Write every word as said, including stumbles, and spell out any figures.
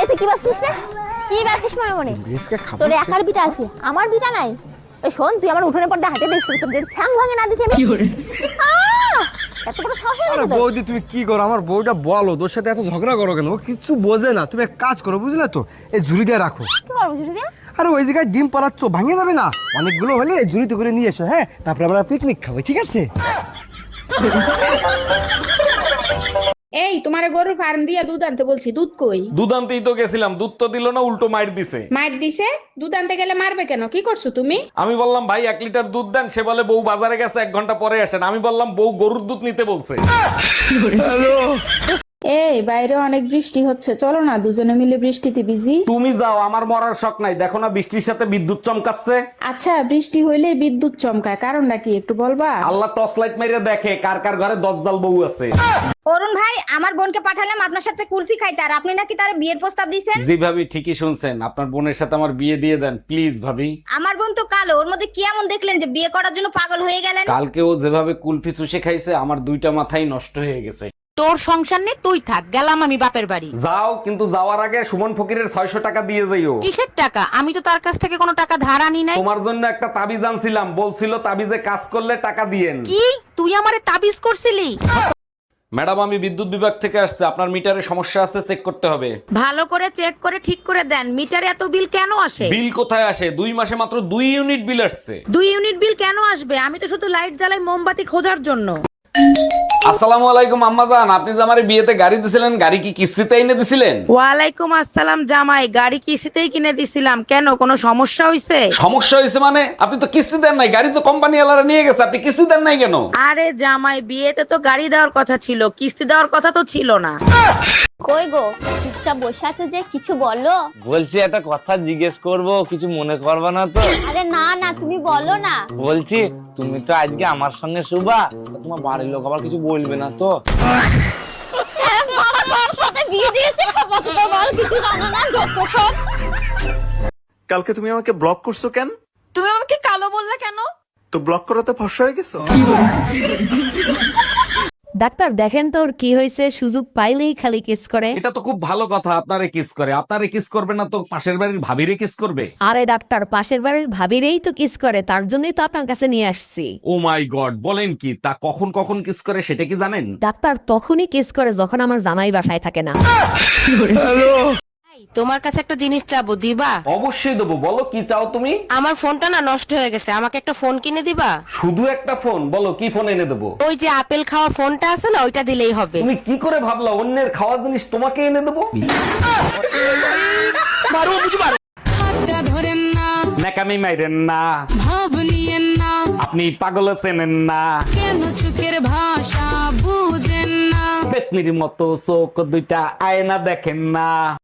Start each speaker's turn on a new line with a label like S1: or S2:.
S1: হয়েছে কি ভাবছিস রে? কি ভাবছিস মনে মনে? তোর একার বিটা আছে, আমার বিটা নাই। এই শোন, তুই আমার উঠোনের পর্দা হাতে দেশ তোর যে ঠ্যাং ভাঙে না দিছি আমি। আহ! এত বড় সাহস হয়ে
S2: আরে
S1: গেছে তোর।
S2: বৌদি তুমি কি করো? আমার বউটা বলো, তোর সাথে এত ঝগড়া করো কেন? ও কিচ্ছু বোঝে না। তুমি এক কাজ করো, বুঝলে তো, এই ঝুড়ি দিয়ে রাখো।
S1: কি করবো বুঝলি দিয়া?
S2: আরে ওই জায়গায় ডিম পালাচ্ছ, ভাঙে যাবে না। অনেকগুলো হলে এই ঝুড়িতে করে নিয়ে এসো, হ্যাঁ? তারপরে আমরা পিকনিক খাবো, ঠিক আছে?
S3: এই তোমারে গরুর ফার্ম দিয়া দুধ আনতে বলছি, দুধ কই?
S4: দুধ আনতেই তো গেছিলাম, দুধ তো দিল না, উল্টো মাইর দিছে।
S3: মাইর দিছে? দুধ আনতে গেলে মারবে কেন? কি করছো তুমি?
S4: আমি বললাম ভাই এক লিটার দুধ দেন, সে বলে বউ বাজারে গেছে, এক ঘন্টা পরে আসেন। আমি বললাম বউ গরুর দুধ নিতে বলছে।
S3: এই বাইরে অনেক বৃষ্টি হচ্ছে, চলো না দুজনে মিলে বৃষ্টিতে ভিজি।
S4: তুমি যাও, আমার মরার শখ নাই। দেখো না বৃষ্টির সাথে বিদ্যুৎ চমকাচ্ছে।
S3: আচ্ছা, বৃষ্টি হইলে বিদ্যুৎ চমকায়, কারণটা কি একটু বলবা?
S4: আল্লাহ টর্চ লাইট মেরে দেখে কার কার ঘরে দজ্জাল বউ আছে।
S5: অরুণ ভাই, আমার বোনকে পাঠালাম আপনার সাথে কুলফি খাইতে, আর আপনি নাকি তার বিয়ের প্রস্তাব দিয়েছেন।
S4: জি ভাবি, ঠিকই শুনছেন। আপনার বোনের সাথে আমার বিয়ে দিয়ে দেন প্লিজ ভাবি।
S5: আমার বোন তো কালো, ওর মধ্যে কি এমন দেখলেন যে বিয়ে করার জন্য পাগল হয়ে গেলেন?
S4: কালকে ও যেভাবে কুলফি চুষে খাইছে, আমার দুইটা মাথাই নষ্ট হয়ে গেছে।
S6: তোর সংসার নেই, তুই থাক, গেলাম আমি বাপের বাড়ি।
S4: যাও, কিন্তু যাওয়ার আগে সুমন ফকিরের ছয়শো টাকা দিয়ে যাইও।
S6: কিসের টাকা? আমি তো তার কাছ থেকে কোনো টাকা ধার আনি নাই।
S4: তোমার জন্য একটা তাবিজ আনছিলাম, বলছিল তাবিজে কাজ করলে টাকা দিয়েন।
S6: কি তুই আমারে তাবিজ করছিলি?
S4: ম্যাডাম, আমি বিদ্যুৎ বিভাগ থেকে আসছে, আপনার মিটারে সমস্যা আছে, চেক করতে হবে।
S6: ভালো করে চেক করে ঠিক করে দেন। মিটারে এত বিল কেন আসে?
S4: বিল কোথায় আসে? দুই মাসে মাত্র দুই ইউনিট বিল আসছে।
S6: দুই ইউনিট বিল কেন আসবে? আমি তো শুধু লাইট জ্বালাই মোমবাতি খোঁজার জন্য।
S4: আসসালামু আলাইকুম আম্মাজান, আপনি যে আমার বিয়েতে গাড়ি দিছিলেন, গাড়ি কি কিস্তিতে এনে দিছিলেন?
S6: ওয়ালাইকুম আসসালাম জামাই, গাড়ি কিস্তিতেই কিনে দিছিলাম। কেন, কোনো সমস্যা হইছে?
S4: সমস্যা হয়েছে মানে? আপনি তো কিস্তি দেন নাই, গাড়ি তো কোম্পানি ওয়ালারা নিয়ে গেছে, আপনি কিস্তি দেন নাই কেন?
S6: আরে জামাই, বিয়েতে তো গাড়ি দেওয়ার কথা ছিল, কিস্তি দেওয়ার কথা তো ছিল না।
S1: কই গো, চুপচাপ বসে আছো যে, কিছু বলো।
S7: বলছি একটা কথা জিজ্ঞেস করব, কিছু মনে করবে না তো?
S1: আরে না না, তুমি বলো না।
S7: বলছি তুমি তো আজকে আমার সঙ্গে শুবা, তোমার বাড়ির লোক আবার কিছু বলবে না তো?
S1: আমার বর সাথে বিয়ে দিয়েছে, খাবো তো বল, কিছু জানো না, যত সব।
S8: কালকে তুমি আমাকে ব্লক করছো কেন?
S9: তুমি আমাকে কালো বললে কেন?
S8: তো ব্লক করাতে ফর্সা হয়ে গেছো?
S10: ডাক্তার দেখেন তো ওর কি হয়েছে, সুযোগ পাইলেই খালি কিস করে।
S4: এটা তো খুব ভালো কথা, আপনারে কিস করে। আপনারে কিস করবে না তো পাশের বাড়ির ভাবিরে কিস করবে?
S10: আরে ডাক্তার, পাশের বাড়ির ভাবিরেই তো কিস করে, তার জন্যই তো আপনার কাছে নিয়ে আসছি।
S4: ও মাই গড, বলেন কি? তা কখন কখন কিস করে সেটা কি জানেন?
S10: ডাক্তার তখনই কিস করে যখন আমার জামাই বাসায় থাকে না।
S6: তোমার কাছে একটা জিনিস চাবো, দিবা?
S4: অবশ্যই দেবো, বলো কি চাও তুমি?
S6: আমার ফোনটা না নষ্ট হয়ে গেছে, আমাকে একটা ফোন কিনে দিবা?
S4: শুধু একটা ফোন? বলো কি ফোন এনে দেবো?
S6: ওই যে আপেল খাওয়া ফোনটা আছে না, ওইটা দিলেই হবে।
S4: তুমি কি করে ভাবলা অন্যের খাওয়া জিনিস তোমাকে এনে দেবো?
S9: ধরেন না,
S4: ন্যাকামি মাইরেন না,
S9: ভাব নিয়েন না,
S4: আপনি পাগল চেনেন না,
S9: কেন চোখের ভাষা বুঝেন না।
S4: পেতনির মতো চোখ দুইটা আয়না দেখেন না।